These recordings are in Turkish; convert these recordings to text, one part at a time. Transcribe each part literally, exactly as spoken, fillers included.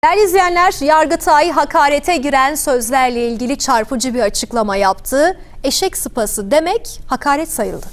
Değerli izleyenler, Yargıtay hakarete giren sözlerle ilgili çarpıcı bir açıklama yaptı. Eşek sıpası demek hakaret sayıldı.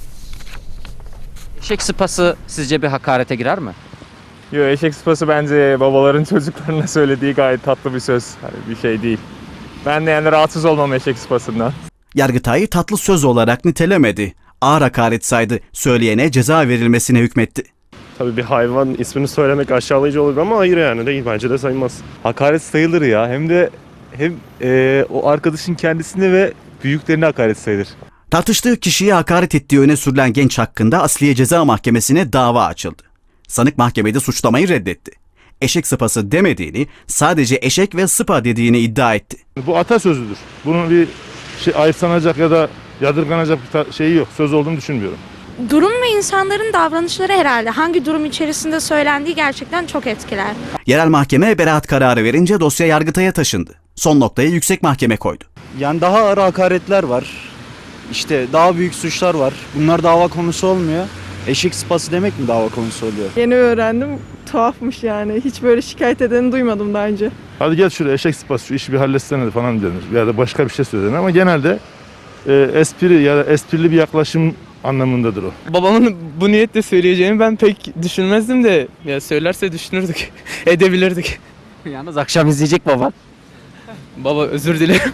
Eşek sıpası sizce bir hakarete girer mi? Yok, eşek sıpası bence babaların çocuklarına söylediği gayet tatlı bir söz. Hani bir şey değil. Ben de yani rahatsız olmam eşek sıpasından. Yargıtay tatlı söz olarak nitelemedi. Ağır hakaret saydı. Söyleyene ceza verilmesine hükmetti. Tabii bir hayvan ismini söylemek aşağılayıcı olur ama hayır yani değil, bence de sayılmaz. Hakaret sayılır ya. Hem de hem e, o arkadaşın kendisine ve büyüklerine hakaret sayılır. Tartıştığı kişiye hakaret ettiği öne sürülen genç hakkında Asliye Ceza Mahkemesi'ne dava açıldı. Sanık mahkemede suçlamayı reddetti. Eşek sıpası demediğini, sadece eşek ve sıpa dediğini iddia etti. Bu atasözüdür. Bunun bir şey ayıpsanacak ya da yadırganacak bir şeyi yok. Söz olduğunu düşünmüyorum. Durum ve insanların davranışları herhalde hangi durum içerisinde söylendiği gerçekten çok etkiler. Yerel mahkeme beraat kararı verince dosya Yargıtay'a taşındı. Son noktayı yüksek mahkeme koydu. Yani daha ağır hakaretler var. İşte daha büyük suçlar var. Bunlar dava konusu olmuyor. Eşek sıpası demek mi dava konusu oluyor? Yeni öğrendim. Tuhafmış yani. Hiç böyle şikayet edeni duymadım daha önce. Hadi gel şuraya eşek sıpası, şu işi bir halletsene falan denir. Ya da başka bir şey söylenir ama genelde e, espri ya da esprili bir yaklaşım anlamındadır o. Babamın bu niyetle söyleyeceğini ben pek düşünmezdim de ya söylerse düşünürdük, edebilirdik. Yalnız akşam izleyecek baba. Baba özür dilerim.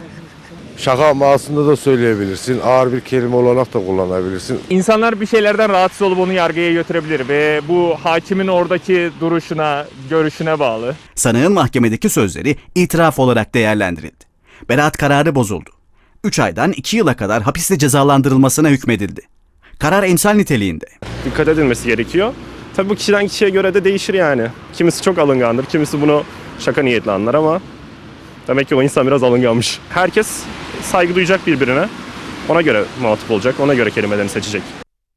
Şaka mahsunda da söyleyebilirsin. Ağır bir kelime olarak da kullanabilirsin. İnsanlar bir şeylerden rahatsız olup onu yargıya götürebilir ve bu hakimin oradaki duruşuna, görüşüne bağlı. Sanığın mahkemedeki sözleri itiraf olarak değerlendirildi. Beraat kararı bozuldu. üç aydan iki yıla kadar hapiste cezalandırılmasına hükmedildi. Karar emsal niteliğinde. Dikkat edilmesi gerekiyor. Tabii bu kişiden kişiye göre de değişir yani. Kimisi çok alıngandır, kimisi bunu şaka niyetli anlar ama demek ki o insan biraz alınganmış. Herkes saygı duyacak birbirine. Ona göre muhatap olacak, ona göre kelimelerini seçecek.